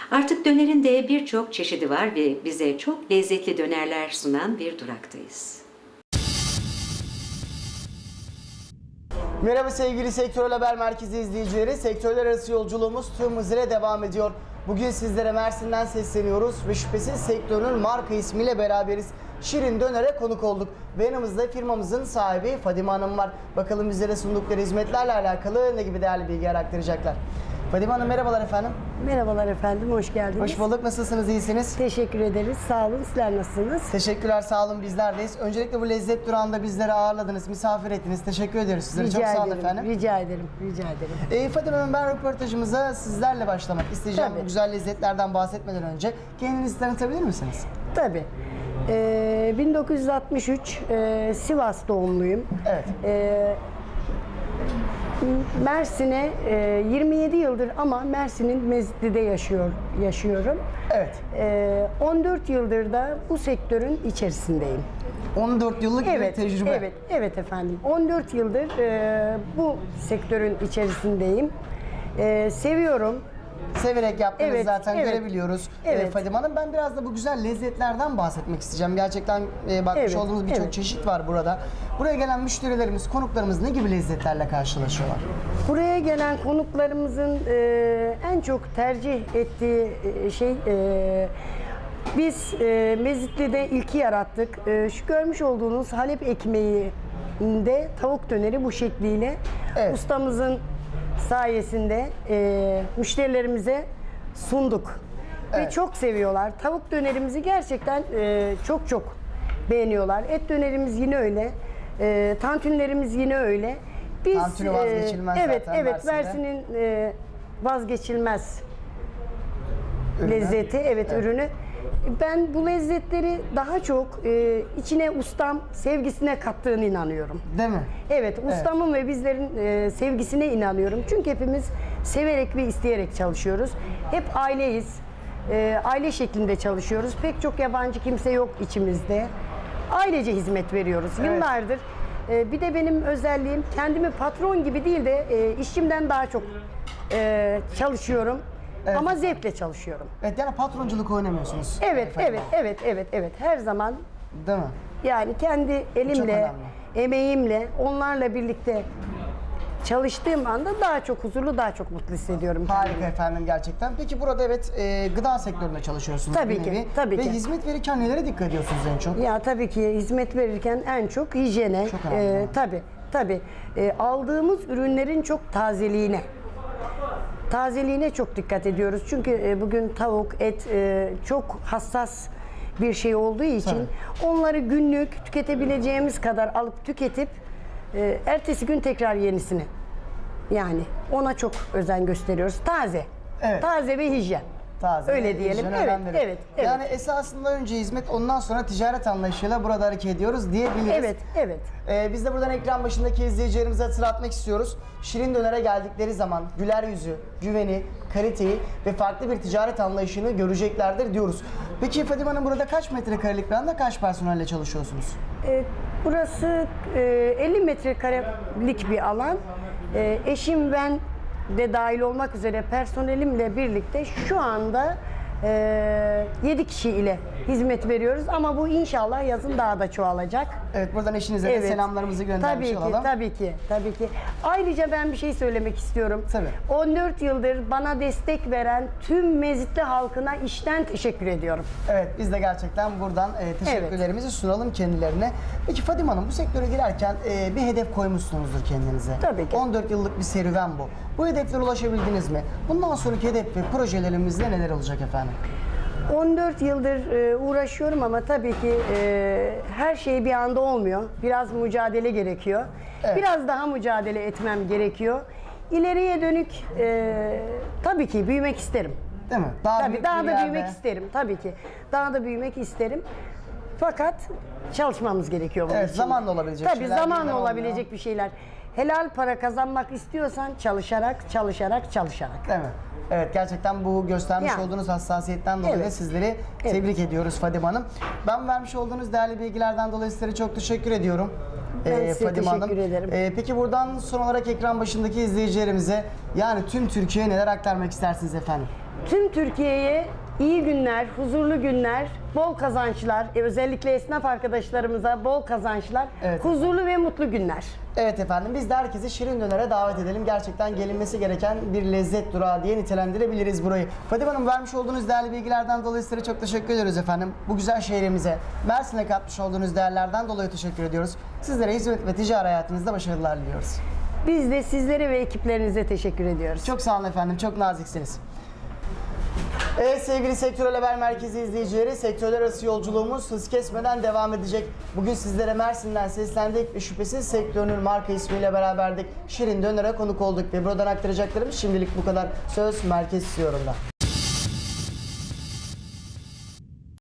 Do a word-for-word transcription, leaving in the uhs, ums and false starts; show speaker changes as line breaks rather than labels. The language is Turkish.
Artık dönerin de birçok çeşidi var ve bize çok lezzetli dönerler sunan bir duraktayız.
Merhaba sevgili Sektörel Haber Merkezi izleyicileri. Sektörler arası yolculuğumuz tüm hızıyla devam ediyor. Bugün sizlere Mersin'den sesleniyoruz ve şüphesiz sektörün marka ismiyle beraberiz. Şirin Döner'e konuk olduk ve yanımızda firmamızın sahibi Fadime Hanım var. Bakalım bizlere sundukları hizmetlerle alakalı ne gibi değerli bilgiler aktaracaklar. Fadime Hanım merhabalar efendim.
Merhabalar efendim, hoş geldiniz.
Hoş bulduk. Nasılsınız? İyisiniz?
Teşekkür ederiz. Sağ olun. Sizler nasılsınız?
Teşekkürler. Sağ olun. Bizlerdeyiz. Öncelikle bu lezzet durağında bizleri ağırladınız, misafir ettiniz. Teşekkür ediyoruz sizlere.
Rica
Çok sağ olun
ederim,
efendim.
Rica ederim. Rica ederim.
E, Fadime Hanım, ben röportajımıza sizlerle başlamak isteyeceğim.
Tabii.
Bu güzel lezzetlerden bahsetmeden önce kendinizi tanıtabilir misiniz?
Tabii. Ee, bin dokuz yüz altmış üç e, Sivas doğumluyum.
Evet.
Ee, Mersin'e e, yirmi yedi yıldır ama Mersin'in Mezitli'de yaşıyor, yaşıyorum.
Evet.
Ee, on dört yıldır da bu sektörün içerisindeyim.
on dört yıllık
Evet,
bir tecrübe.
evet, evet efendim. on dört yıldır e, bu sektörün içerisindeyim. E, seviyorum.
Severek yaptığınızı
Evet,
zaten
evet.
görebiliyoruz.
Evet.
E, Fadime Hanım, ben biraz da bu güzel lezzetlerden bahsetmek isteyeceğim. Gerçekten e, bakmış
Evet,
olduğumuz birçok
evet.
çeşit var burada. Buraya gelen müşterilerimiz, konuklarımız ne gibi lezzetlerle karşılaşıyorlar?
Buraya gelen konuklarımızın e, en çok tercih ettiği e, şey e, biz e, Mezitli'de ilki yarattık. E, şu görmüş olduğunuz Halep ekmeğinde tavuk döneri bu şekliyle
Evet.
ustamızın sayesinde e, müşterilerimize sunduk. Ve
Evet.
çok seviyorlar. Tavuk dönerimizi gerçekten e, çok çok beğeniyorlar. Et dönerimiz yine öyle. E, tantunlerimiz yine öyle. Biz,
Tantuni vazgeçilmez
e, evet,
zaten
evet,
Mersin'de.
Mersin'in e, vazgeçilmez
Ürünü.
lezzeti, evet, ürünü. Ben bu lezzetleri daha çok e, içine ustam sevgisine kattığını inanıyorum.
Değil mi?
Evet, ustamın ve bizlerin e, sevgisine inanıyorum. Çünkü hepimiz severek ve isteyerek çalışıyoruz. Hep aileyiz. E, aile şeklinde çalışıyoruz. Pek çok yabancı kimse yok içimizde. Ailece hizmet veriyoruz.
Evet.
Yıllardır. E, bir de benim özelliğim, kendimi patron gibi değil de e, işimden daha çok e, çalışıyorum.
Evet.
Ama zevkle çalışıyorum.
Evet, yani patronculuk oynamıyorsunuz.
Evet,
Fadime
evet,
Hanım.
evet, evet, evet. Her zaman
Değil mi?
yani kendi elimle,
önemli.
emeğimle, onlarla birlikte çalıştığım anda daha çok huzurlu, daha çok mutlu hissediyorum
Harika
kendimi.
efendim gerçekten. Peki burada evet e, gıda sektöründe çalışıyorsunuz.
Tabii
bir
ki,
nevi.
tabii
Ve
ki.
hizmet verirken nelere dikkat ediyorsunuz en çok?
Ya tabii ki hizmet verirken en çok hijyene,
Çok önemli.
e, tabii, tabii e, aldığımız ürünlerin çok tazeliğine. Tazeliğine çok dikkat ediyoruz. Çünkü e, bugün tavuk, et e, çok hassas bir şey olduğu için onları günlük tüketebileceğimiz kadar alıp tüketip e, ertesi gün tekrar yenisini. Yani ona çok özen gösteriyoruz. Taze.
Evet.
Taze ve hijyen.
Taze,
Öyle diyelim.
hijyen
Evet,
önemli.
evet, evet.
Yani esasında önce hizmet, ondan sonra ticaret anlayışıyla burada hareket ediyoruz diyebiliriz.
Evet, evet.
Ee, biz de buradan ekran başındaki izleyicilerimize hatırlatmak istiyoruz. Şirin Döner'e geldikleri zaman güler yüzü, güveni, kaliteyi ve farklı bir ticaret anlayışını göreceklerdir diyoruz. Peki Fadime Hanım, burada kaç metrekarelik bir anda kaç personelle çalışıyorsunuz?
E, burası e, elli metrekarelik bir alan. E, eşim, ben de dahil olmak üzere personelimle birlikte şu anda e, yedi kişi ile hizmet veriyoruz. Ama bu inşallah yazın daha da çoğalacak.
Evet, buradan eşinize de selamlarımızı göndermiş
tabii ki,
olalım.
Tabii ki, tabii ki. Ayrıca ben bir şey söylemek istiyorum.
Tabii.
on dört yıldır bana destek veren tüm Mezitli halkına içten teşekkür ediyorum.
Evet, biz de gerçekten buradan e, teşekkürlerimizi sunalım kendilerine. Peki Fadime Hanım, bu sektöre girerken e, bir hedef koymuşsunuzdur kendinize.
Tabii ki.
on dört yıllık bir serüven bu. Bu hedeflere ulaşabildiniz mi? Bundan sonraki hedef ve projelerimizde neler olacak efendim?
on dört yıldır e, uğraşıyorum ama tabii ki e, her şey bir anda olmuyor. Biraz mücadele gerekiyor.
Evet.
Biraz daha mücadele etmem gerekiyor. İleriye dönük e, tabii ki büyümek isterim.
Değil mi? Daha
Tabii
büyük
daha
bir
da
yerde.
büyümek isterim tabii ki. Daha da büyümek isterim. Fakat çalışmamız gerekiyor bunun
Evet,
için.
zamanla olabilecek
Tabii
şeyler
zamanla
birden
olabilecek
olmuyor.
bir şeyler. Helal para kazanmak istiyorsan çalışarak, çalışarak, çalışarak.
Değil mi? Evet, gerçekten bu göstermiş
Yani.
olduğunuz hassasiyetten dolayı
Evet.
sizleri
Evet.
tebrik ediyoruz Fadime Hanım. Ben vermiş olduğunuz değerli bilgilerden dolayı sizlere çok teşekkür ediyorum.
Ben size
Fadime Hanım.
teşekkür ederim.
Ee, peki buradan son olarak ekran başındaki izleyicilerimize, yani tüm Türkiye'ye neler aktarmak istersiniz efendim?
tüm Türkiye'ye iyi günler, huzurlu günler, bol kazançlar, e, özellikle esnaf arkadaşlarımıza bol kazançlar,
Evet.
huzurlu ve mutlu günler.
Evet efendim, biz de herkesi Şirin Döner'e davet edelim. Gerçekten gelinmesi gereken bir lezzet durağı diye nitelendirebiliriz burayı. Fadime Hanım, vermiş olduğunuz değerli bilgilerden dolayı size çok teşekkür ediyoruz efendim. Bu güzel şehrimize, Mersin'e katmış olduğunuz değerlerden dolayı teşekkür ediyoruz. Sizlere hizmet ve ticari hayatınızda başarılar diliyoruz.
Biz de sizlere ve ekiplerinize teşekkür ediyoruz.
Çok sağ olun efendim, çok naziksiniz. Evet sevgili Sektörel Haber Merkezi izleyicileri, sektörler arası yolculuğumuz hız kesmeden devam edecek. Bugün sizlere Mersin'den seslendik ve şüphesiz sektörünün marka ismiyle beraberdik. Şirin Döner'e konuk olduk ve buradan aktaracaklarım şimdilik bu kadar. Söz Merkez Yorum'da.